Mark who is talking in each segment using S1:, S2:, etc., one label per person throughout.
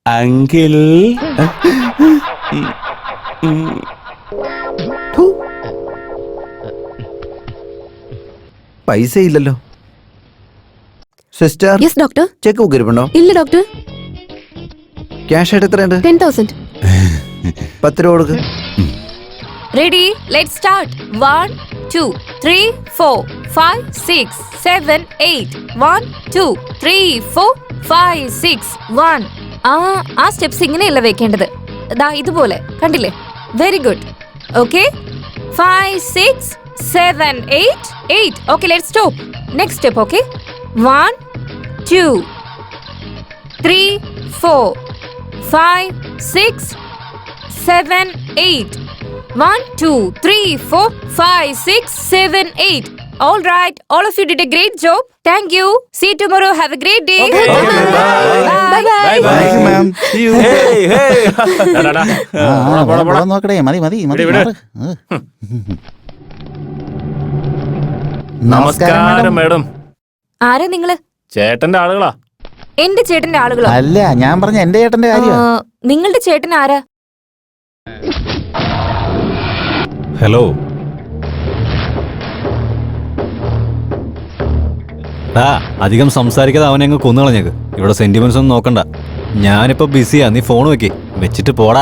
S1: Uncle
S2: പൈസ ഇല്ലല്ലോ. Sister,
S3: yes doctor.
S2: Check book ഇരിപ്പുണ്ടോ?
S3: ഇല്ല ഡോക്ടർ.
S2: ക്യാഷ് ആയിട്ട് എത്രയുണ്ട്?
S3: 10,000.
S2: 10 രൂപ കൊടുക്ക്.
S4: Ready? Let's start. 1, 2, 3, 4, 5, 6, 7, 8. 1, 2, 3, 4, 5, 6, 1. ആ സ്റ്റെപ്സ് ഇങ്ങനെയല്ല വെക്കേണ്ടത്. ദാ ഇതുപോലെ കണ്ടില്ലേ? Very good. Okay, 5, 6, 7, 8, 8. Okay, let's stop. Next step. Okay, 1, 2, 3, 4, 5, 6, 7, 8. 1, 2, 3, 4, 5, 6, 7, 8. All right, all of you did a great job. Thank you. See you tomorrow. Have a great day.
S1: Okay.
S4: Bye. Bye.
S2: Thank you, ma'am. See you.
S5: നോക്കടേ. മതി മതി മതി.
S1: നമസ്കാരം madam.
S4: ആരാ നിങ്ങള്?
S1: ചേട്ടന്റെ ആളുകളാ.
S4: എന്റെ ചേട്ടന്റെ ആളുകളോ?
S5: അല്ല, ഞാൻ പറഞ്ഞ എന്റെ ചേട്ടന്റെ കാര്യം.
S4: നിങ്ങളുടെ ചേട്ടൻ ആരാ?
S6: ഹലോ. അധികം സംസാരിക്കാതെ അവനെ അങ്ങ് കൊന്നുകളഞ്ഞേക്ക്. ഇവിടെ സെന്റിമെന്റ്സ് ഒന്നും നോക്കണ്ട. ഞാനിപ്പോ ബിസിയാ. നീ ഫോൺ വെച്ചിട്ട് പോടാ.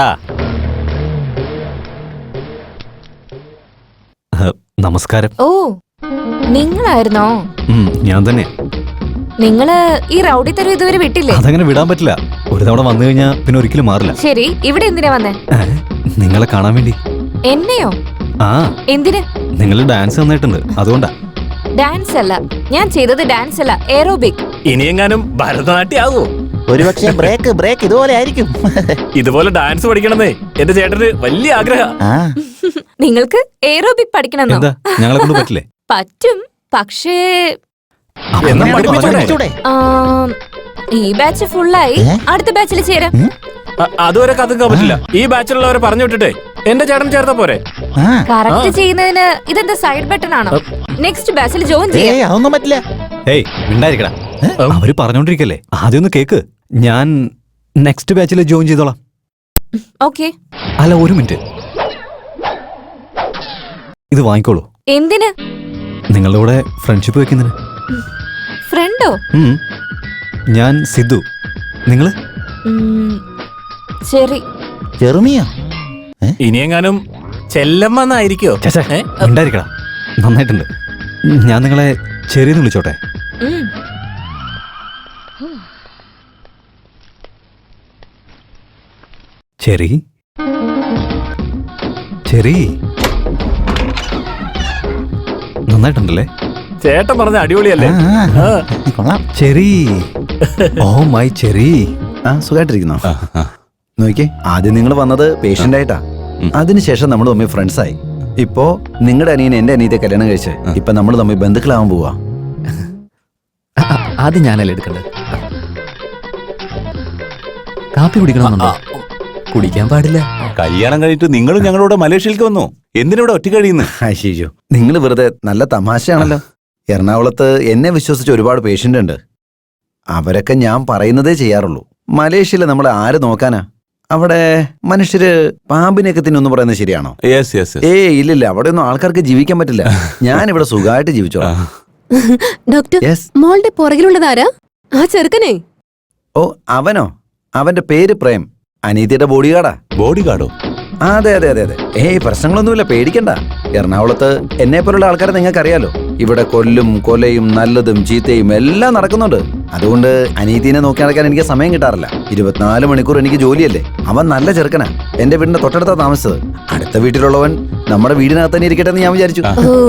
S6: നമസ്കാരം.
S4: ഓ, നിങ്ങളായിരുന്നോ?
S6: ഞാൻ തന്നെ.
S4: നിങ്ങള് ഈ റൗഡി തരം ഇതുവരെ വിട്ടില്ലേ?
S6: അതങ്ങനെ വിടാൻ പറ്റില്ല. ഒരു തവണ വന്നു കഴിഞ്ഞാ പിന്നെ ഒരിക്കലും മാറില്ല.
S4: ശരി, ഇവിടെ എന്തിനാ വന്നേ?
S6: നിങ്ങളെ കാണാൻ വേണ്ടി.
S4: എന്നെയോ?
S6: ആ.
S4: എന്തിന്?
S6: നിങ്ങൾ ഡാൻസ് നന്നായിട്ടുണ്ട്, അതുകൊണ്ടാ.
S4: ഡാൻസ് അല്ല ഞാൻ ചെയ്തത്, ഡാൻസ് അല്ല, എയറോബിക്.
S1: ഇനിയെങ്ങാനും ഭരതനാട്യം ആവോ?
S5: ഒരുപക്ഷെ ബ്രേക്ക് ഇതുപോലെ ആയിരിക്കും.
S1: ഇതുപോലെ ഡാൻസ് പഠിക്കണമെന്നേ എന്റെ ചേട്ടന് വലിയ ആഗ്രഹം.
S4: നിങ്ങൾക്ക് എയറോബിക് പഠിക്കണമെന്നോ?
S6: എന്താ ഞങ്ങളെ കൊണ്ട് പറ്റില്ലേ?
S4: പറ്റും, പക്ഷേ
S1: എന്നാ പഠിപ്പിച്ചൂടെ?
S4: ഈ ബാച്ച് ഫുള്ളായി. അടുത്ത ബാച്ചിൽ ചേരാം.
S1: അതുവരെ കത്തുക്കാൻ പറ്റില്ല. ഈ ബാച്ചിലുള്ളവരെ പറഞ്ഞു വിട്ടിട്ടേ എന്റെ ചേട്ടൻ ചേർത്താ പോരെ?
S4: കറക്റ്റ് ചെയ്യുന്നതിന് ഇതെന്താ സൈഡ് ബട്ടൺ ആണോ? നെക്സ്റ്റ് ബാച്ചിൽ ജോയിൻ ചെയ്യാം.
S5: അതൊന്നും പറ്റില്ല.
S6: ഏയ് മിണ്ടായിരിക്കടാ. അവര് പറഞ്ഞോണ്ടിരിക്കല്ലേ, ആദ്യം ഒന്ന് കേക്ക്. ഞാൻ നെക്സ്റ്റ് ബാച്ചിൽ ജോയിൻ ചെയ്തോളാം.
S4: ഓക്കെ.
S6: അല്ല, ഒരു മിനിറ്റ്. ഇത് വാങ്ങിക്കോളൂ.
S4: എന്തിന്?
S6: നിങ്ങളുടെ കൂടെ ഫ്രണ്ട്ഷിപ്പ് വെക്കുന്നതിന്.
S4: ഫ്രണ്ടോ?
S6: ഞാൻ സിദ്ധു. നിങ്ങള്?
S4: ശരി.
S5: ചെറുമിയോ?
S1: ഇനിയെങ്ങാനും ചെല്ലമ്മന്നായിരിക്കോ?
S6: ഉണ്ടായിരിക്കടാ. നന്നായിട്ടുണ്ട്. ഞാൻ നിങ്ങളെ ചെറിയെന്ന് വിളിച്ചോട്ടെ? Cherry cherry. നന്നായിട്ടുണ്ടല്ലേ?
S1: ചേട്ടൻ പറഞ്ഞ അടിപൊളിയല്ലേ?
S5: കൊള്ളാം.
S6: ചെറി. Oh my Cherry.
S2: സുഖമായിട്ടിരിക്കുന്നോ? നോക്കിയേ, ആദ്യം നിങ്ങൾ വന്നത് പേഷ്യന്റ് ആയിട്ടാ. അതിനുശേഷം നമ്മൾ തമ്മിൽ ഫ്രണ്ട്സ് ആയി. ഇപ്പോ നിങ്ങളുടെ അനിയൻ എന്റെ അനിയത്തെ കല്യാണം കഴിച്ച് ഇപ്പൊ നമ്മൾ തമ്മിൽ ബന്ധുക്കളാവാൻ പോവാ.
S7: ആദ്യം ഞാനല്ലേ എടുക്കണ്ടത്? കാപ്പി കുടിക്കണമെന്നുണ്ടോ? കുടിക്കാൻ പാടില്ല.
S8: കല്യാണം കഴിഞ്ഞിട്ട് നിങ്ങളും ഞങ്ങളോട് മലേഷ്യയിലേക്ക് വന്നു. എന്തിനിവിടെ ഒറ്റ കഴിയുന്നു?
S2: അയ്യോ, നിങ്ങൾ വെറുതെ. നല്ല തമാശയാണല്ലോ. എറണാകുളത്ത് എന്നെ വിശ്വസിച്ച് ഒരുപാട് പേഷ്യന്റ് ഉണ്ട്. അവരൊക്കെ ഞാൻ പറയുന്നതേ ചെയ്യാറുള്ളൂ. മലേഷ്യയിൽ നമ്മളെ ആര് നോക്കാനാ? അവിടെ മനുഷ്യര് പാമ്പിനെയൊക്കെ തിന്നൊന്നും പറയുന്നത് ശരിയാണോ? ഇല്ലില്ല, അവിടെ ഒന്നും ആൾക്കാർക്ക് ജീവിക്കാൻ പറ്റില്ല. ഞാൻ ഇവിടെ സുഖമായിട്ട് ജീവിച്ചോളാം.
S3: ഡോക്ടർ, മോളുടെ പുറകിലുള്ളതാരാ? ആ ചെറുക്കനെ?
S2: ഓ, അവനോ? അവന്റെ പേര് പ്രേം. അനീതിയുടെ ബോഡിഗാർഡാ.
S8: ബോഡിഗാർഡോ?
S2: അതെ അതെ അതെ അതെ. പ്രശ്നങ്ങളൊന്നുമില്ല, പേടിക്കണ്ട. എറണാകുളത്ത് എന്നെ പോലുള്ള ആൾക്കാരെ നിങ്ങൾക്ക് അറിയാലോ. ഇവിടെ കൊലയും നല്ലതും ചീത്തയും എല്ലാം നടക്കുന്നുണ്ട്. അതുകൊണ്ട് അനീതിനെ നോക്കി നടക്കാൻ എനിക്ക് സമയം കിട്ടാറില്ല. 24 മണിക്കൂർ എനിക്ക് ജോലിയല്ലേ. അവൻ നല്ല ചെറുക്കനാ. എന്റെ വീടിന്റെ തൊട്ടടുത്താ താമസിച്ചത്. അടുത്ത വീട്ടിലുള്ളവൻ നമ്മുടെ വീടിനകത്ത് തന്നെ ഇരിക്കട്ടെ എന്ന് ഞാൻ വിചാരിച്ചു.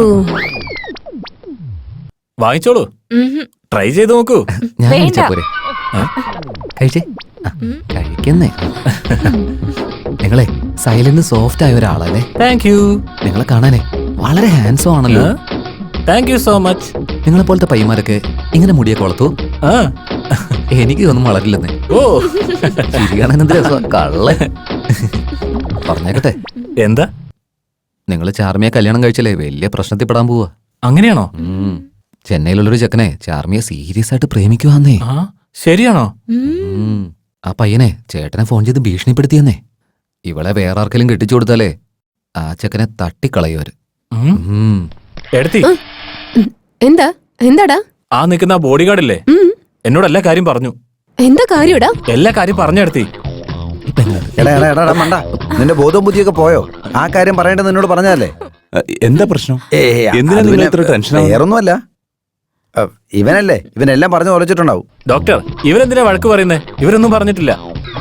S1: വാങ്ങിച്ചോളൂ, ട്രൈ ചെയ്ത് നോക്കൂ.
S7: ഞാൻ കഴിച്ചാ പോരെ? കഴിച്ചേ. കഴിക്കുന്നേ. നിങ്ങളെ സൈലന്റ് സോഫ്റ്റ് ആയ ഒരാളല്ലേ?
S1: Thank you.
S7: നിങ്ങളെ കാണാനേ വളരെ ഹാൻഡ്സം ആണല്ലോ.
S1: Thank you so much.
S7: നിങ്ങളെ പോലത്തെ പയ്യന്മാരൊക്കെ ഇങ്ങനെ മുടിയൊക്കെ വളർത്തു? എനിക്ക് ഒന്നും വളരില്ലെന്നേ.
S1: ഓ,
S7: ചിരികാണെന്ത് രസം. കള്ള പറഞ്ഞേക്കട്ടെ.
S1: എന്താ?
S7: നിങ്ങള് ചാർമിയെ കല്യാണം കഴിച്ചല്ലേ വലിയ പ്രശ്നത്തിൽ പെടാൻ പോവാ.
S1: അങ്ങനെയാണോ?
S7: ചെന്നൈയിലുള്ളൊരു ചെക്കനെ ചാർമിയെ സീരിയസ് ആയിട്ട് പ്രേമിക്കുവാന്നേ.
S1: ശരിയാണോ?
S7: ആ പയ്യനെ ചേട്ടനെ ഫോൺ ചെയ്ത് ഭീഷണിപ്പെടുത്തിയെന്നേ. ഇവളെ വേറെ ആർക്കെങ്കിലും കെട്ടിച്ചു കൊടുത്താലേ ആ ചെക്കനെ തട്ടിക്കളയുവര്.
S1: എടുത്തി
S3: എന്താ എന്താടാ?
S1: ആ നിൽക്കുന്ന ബോഡി ഗാർഡില്ലേ, എന്നോട് എല്ലാ കാര്യം പറഞ്ഞു.
S3: എന്താ കാര്യടാ?
S1: എല്ലാ കാര്യം പറഞ്ഞെടുത്തി.
S2: എടാ എടാ എടാ മണ്ട, നിന്റെ ബോധവും ബുദ്ധിയൊക്കെ പോയോ? ആ കാര്യം പറയേണ്ടത് നിന്നോട് പറഞ്ഞതല്ലേ?
S8: എന്താ പ്രശ്നം? എന്തിനാ
S2: അത്
S8: നിങ്ങൾ
S2: പിന്നെ
S8: ഇത്ര ടെൻഷനാവുന്നത്?
S2: വേറൊന്നുമല്ല, ഇവനല്ലേ, ഇവനെല്ലാം പറഞ്ഞു ഒലച്ചിട്ടുണ്ടാവും.
S1: ഡോക്ടർ, ഇവരെന്തിനാ വഴക്ക് പറയുന്നേ? ഇവരൊന്നും പറഞ്ഞിട്ടില്ല.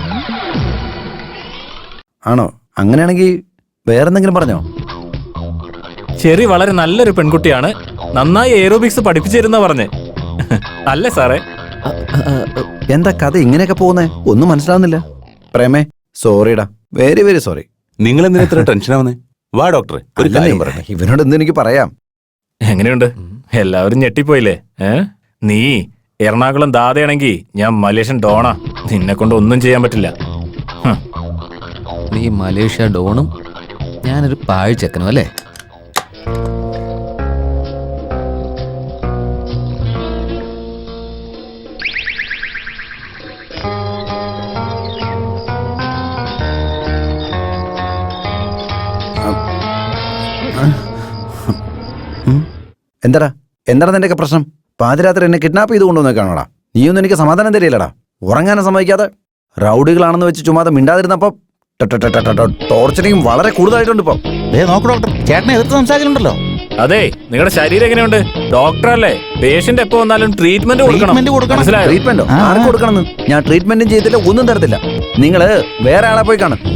S2: ആണോ? അങ്ങനെയാണെങ്കിൽ വേറെന്തെങ്കിലും പറഞ്ഞോ?
S1: ചെറി വളരെ നല്ലൊരു പെൺകുട്ടിയാണ്, നന്നായി എയറോബിക്സ് പഠിപ്പിച്ചിരുന്ന പറഞ്ഞേ. അല്ലേ സാറേ?
S2: എന്താ കഥ ഇങ്ങനെയൊക്കെ പോകുന്നേ? ഒന്നും മനസ്സിലാവുന്നില്ല. പ്രേമേ, സോറിടാ, വെരി വെരി സോറി.
S8: നിങ്ങൾ എന്തിനാ ഇത്ര ടെൻഷനാവുന്നേ? വാ ഡോക്ടറെ, ഒരു കാര്യം പറയട്ടെ.
S2: ഇവനോട് എന്ത് എനിക്ക് പറയാം?
S1: എങ്ങനെയുണ്ട്? എല്ലാവരും ഞെട്ടിപ്പോയില്ലേ? നീ എറണാകുളം ദാതയാണെങ്കി ഞാൻ മലേഷ്യൻ ഡോണാ. നിന്നെ കൊണ്ട് ഒന്നും ചെയ്യാൻ പറ്റില്ല.
S7: നീ മലേഷ്യ ഡോണും ഞാനൊരു പാഴ്ചക്കനും അല്ലേ?
S2: എന്താടാ എന്താണ് നിന്റെയൊക്കെ പ്രശ്നം? പാതിരാത്രി എന്നെ കിഡ്നാപ്പ് ചെയ്ത് കൊണ്ടുവന്നേക്കാണോടാ? നീയൊന്നും എനിക്ക് സമാധാനം തരില്ലടാ. ഉറങ്ങാനും സമ്മതിക്കാതെ റൗഡികളാണെന്ന് വെച്ച് ചുമ്മാതെ മിണ്ടാതിരുന്നപ്പോ ടോർച്ചറിങ് വളരെ കൂടുതലായിട്ടുണ്ട് ഇപ്പൊ.
S5: നോക്ക് ഡോക്ടർ, ചേട്ടനെ എതിർത്ത് സംസാരിക്കുന്നുണ്ടല്ലോ.
S1: അതെ, നിങ്ങളുടെ ശരീരം എങ്ങനെയുണ്ട്? ഡോക്ടറല്ലേ, പേഷ്യന്റ് എപ്പോ വന്നാലും ട്രീറ്റ്മെന്റ് കൊടുക്കണം. മനസ്സിലായോ?
S2: ട്രീറ്റ്മെന്റോ? ആർക്ക് കൊടുക്കണമെന്ന്? ഞാൻ ട്രീറ്റ്മെന്റും ചെയ്തില്ല, ഒന്നും തരത്തില്ല. നിങ്ങള് വേറെ ആളെ പോയി കാണും.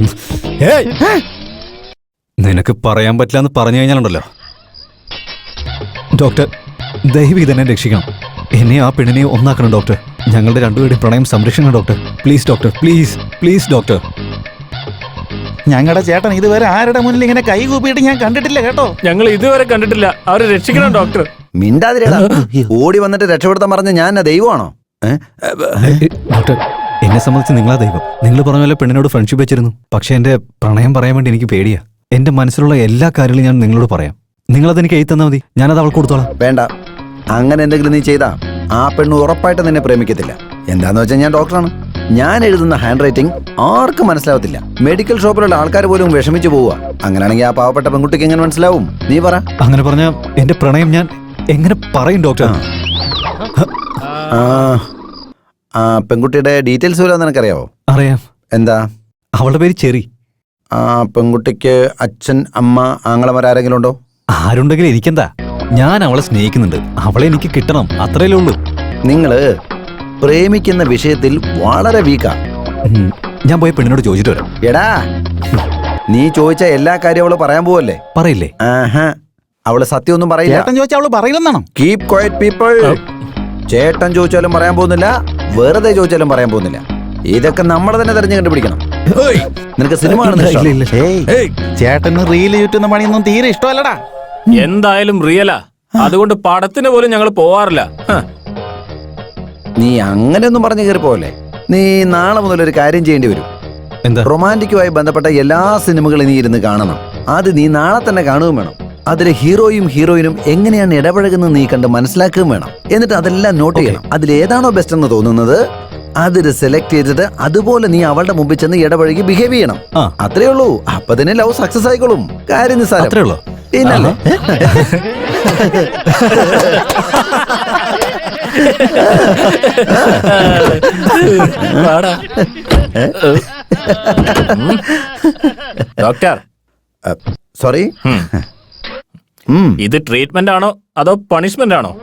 S6: നിനക്ക് പറയാൻ പറ്റില്ല എന്ന് പറഞ്ഞു കഴിഞ്ഞാലുണ്ടല്ലോ. ഡോക്ടർ, ദയവ് ഇതെന്നെ രക്ഷിക്കണം. എന്നെ ആ പെണ്ണിനെ ഒന്നാക്കണം ഡോക്ടർ. ഞങ്ങളുടെ രണ്ടുപേരുടെയും പ്രണയം സംരക്ഷിക്കണം doctor. Please doctor, please please doctor.
S5: ഞങ്ങളുടെ ചേട്ടൻ ഇതുവരെ ആരുടെ മുന്നിൽ ഇങ്ങനെ കൈ കൂപ്പിയിട്ട് ഞാൻ കണ്ടിട്ടില്ല കേട്ടോ.
S1: ഞങ്ങൾ ഇതുവരെ കണ്ടിട്ടില്ല. അവരെ രക്ഷിക്കണം ഡോക്ടർ.
S2: മിണ്ടാതിരടാ. ഓടി വന്നിട്ട് രക്ഷപ്പെടുത്താൻ പറഞ്ഞ ഞാൻ ദൈവമാണോ?
S6: ഡോക്ടർ, എന്നെ സംബന്ധിച്ച് നിങ്ങളാ ദൈവം. നിങ്ങൾ പറഞ്ഞ പോലെ പെണ്ണിനോട് ഫ്രണ്ട്ഷിപ്പ് വെച്ചിരുന്നു. പക്ഷെ എന്റെ പ്രണയം പറയാൻ വേണ്ടി എനിക്ക് പേടിയാ. എന്റെ മനസ്സിലുള്ള എല്ലാ കാര്യങ്ങളും ഞാൻ നിങ്ങളോട് പറയാം. നിങ്ങളതെനിക്ക് എഴുതി തന്നാൽ മതി, ഞാനത് അവൾക്ക് കൊടുത്തോളാം.
S2: വേണ്ട, അങ്ങനെ എന്തെങ്കിലും നീ ചെയ്താ ആ പെണ്ണ് ഉറപ്പായിട്ട് നിന്നെ പ്രേമിക്കത്തില്ല. എന്താന്ന് വെച്ചാൽ ഞാൻ ഡോക്ടറാണ്. ഞാൻ എഴുതുന്ന ഹാൻഡ് റൈറ്റിംഗ് ആർക്കും മനസ്സിലാവത്തില്ല. മെഡിക്കൽ ഷോപ്പിലുള്ള ആൾക്കാർ പോലും വിഷമിച്ചു പോവുക. അങ്ങനെയാണെങ്കിൽ ആ പാവപ്പെട്ട പെൺകുട്ടിക്ക് എങ്ങനെ മനസ്സിലാവും? നീ പറ.
S6: അങ്ങനെ പറഞ്ഞ എന്റെ പ്രണയം ഞാൻ എങ്ങനെ പറയും ഡോക്ടർ?
S2: ആ പെൺകുട്ടിയുടെ ഡീറ്റെയിൽസ് വല്ലതും നിനക്കറിയാവോ?
S6: അറിയാം.
S2: എന്താ?
S6: അവളുടെ പേര് ചെറി.
S2: ആ പെൺകുട്ടിക്ക് അച്ഛൻ, അമ്മ, ആങ്ങളമാരെങ്കിലും ഉണ്ടോ?
S6: ആരുണ്ടെങ്കിലും എനിക്കെന്താ? ഞാൻ അവളെ സ്നേഹിക്കുന്നുണ്ട്. അവളെ എനിക്ക് കിട്ടണം, അത്രയല്ലേ ഉള്ളൂ.
S2: നിങ്ങള് പ്രേമിക്കുന്ന വിഷയത്തിൽ വളരെ വീക്കാ.
S6: ഞാൻ പോയി പെണ്ണിനോട് ചോദിച്ചിട്ട് വരാം.
S2: എടാ, നീ ചോദിച്ച എല്ലാ കാര്യവും അവള് പറയാൻ പോവല്ലേ?
S6: പറയില്ലേ?
S2: ആഹാ, അവള് സത്യമൊന്നും പറയില്ല.
S5: ചേട്ടൻ ചോദിച്ചാൽ അവള് പറയില്ലെന്നാണോ?
S2: Keep quiet people. ചേട്ടൻ ചോദിച്ചാലും പറയാൻ പോകുന്നില്ല, വെറുതെ ചോദിച്ചാലും പറയാൻ പോകുന്നില്ല. ഇതൊക്കെ നമ്മൾ തന്നെ തെരഞ്ഞു കണ്ടുപിടിക്കണം. നിനക്ക് സിനിമ കാണുന്നില്ല?
S5: ചേട്ടന് റീല് ചുറ്റുന്ന പണിയൊന്നും തീരെ ഇഷ്ടമല്ലടാ.
S1: എന്തായാലും റിയലാ, അതുകൊണ്ട് പടത്തിന് പോലും ഞങ്ങൾ പോവാറില്ല.
S2: നീ അങ്ങനെയൊന്നും പറഞ്ഞു കയറി പോവല്ലേ. നീ നാളെ മുതൽ ഒരു കാര്യം ചെയ്യേണ്ടി വരും.
S6: എന്താ?
S2: റൊമാൻറ്റിക്കുമായി ബന്ധപ്പെട്ട എല്ലാ സിനിമകളും നീ ഇരുന്ന് കാണണം. അത് നീ നാളെ തന്നെ കാണുകയും വേണം. അതിലെ ഹീറോയും ഹീറോയിനും എങ്ങനെയാണ് ഇടപഴകുന്നത് നീ കണ്ട് മനസ്സിലാക്കുകയും വേണം. എന്നിട്ട് അതെല്ലാം നോട്ട് ചെയ്യണം. അതിലേതാണോ ബെസ്റ്റ് എന്ന് തോന്നുന്നത് അതിൽ സെലക്ട് ചെയ്തിട്ട് അതുപോലെ നീ അവളുടെ മുമ്പിൽ ചെന്ന് ഇടപഴകി ബിഹേവ് ചെയ്യണം. അത്രേ ഉള്ളൂ. അപ്പൊ തന്നെ ലവ് സക്സസ് ആയിക്കോളും. കാര്യം നിസ്സാരം.
S6: അത്രേ ഉള്ളൂ.
S2: പിന്നല്ലേ?
S1: ഡോക്ടർ,
S2: സോറി,
S1: ഇത് ട്രീറ്റ്മെന്റ് ആണോ അതോ പണിഷ്മെന്റ് ആണോ?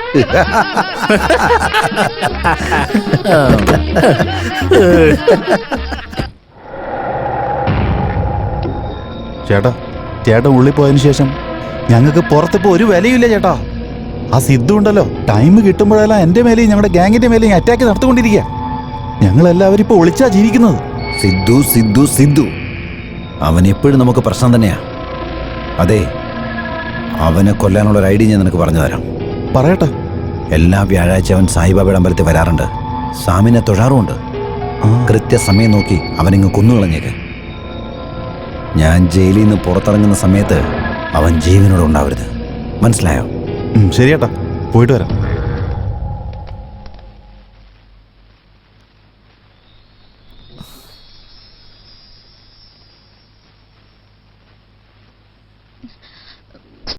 S5: ചേട്ടാ, ചേട്ടൻ ഉള്ളിൽ പോയതിനു ശേഷം ഞങ്ങൾക്ക് പുറത്തിപ്പോ ഒരു വിലയില്ല ചേട്ടാ. ആ സിദ്ധു ഉണ്ടല്ലോ, ടൈം കിട്ടുമ്പോഴെല്ലാം എന്റെ മേലെയും ഞങ്ങളുടെ ഗാങ്ങിന്റെ മേലെയും അറ്റാക്ക് നടത്തിക്കൊണ്ടിരിക്കുക. ഞങ്ങളെല്ലാവരും ഇപ്പൊ ഒളിച്ചാ ജീവിക്കുന്നത്.
S2: സിദ്ധു സിദ്ധു സിദ്ധു അവൻ എപ്പോഴും നമുക്ക് പ്രശ്നം തന്നെയാ. അതെ, അവനെ കൊല്ലാനുള്ള ഒരു ഐഡിയ ഞാൻ നിനക്ക് പറഞ്ഞു തരാം.
S5: പറയട്ടെ.
S2: എല്ലാ വ്യാഴാഴ്ച അവൻ സായിബാബയുടെ അമ്പലത്തിൽ വരാറുണ്ട്. സ്വാമിനെ തൊഴാറുമുണ്ട്. കൃത്യസമയം നോക്കി അവനിങ്ങ് കൊന്നുകളഞ്ഞേക്ക്. ഞാൻ ജയിലിൽ നിന്ന് പുറത്തിറങ്ങുന്ന സമയത്ത് അവൻ ജീവനോട് ഉണ്ടാവരുത്. മനസ്സിലായോ?
S5: ശരിയേട്ടാ, പോയിട്ട് വരാം.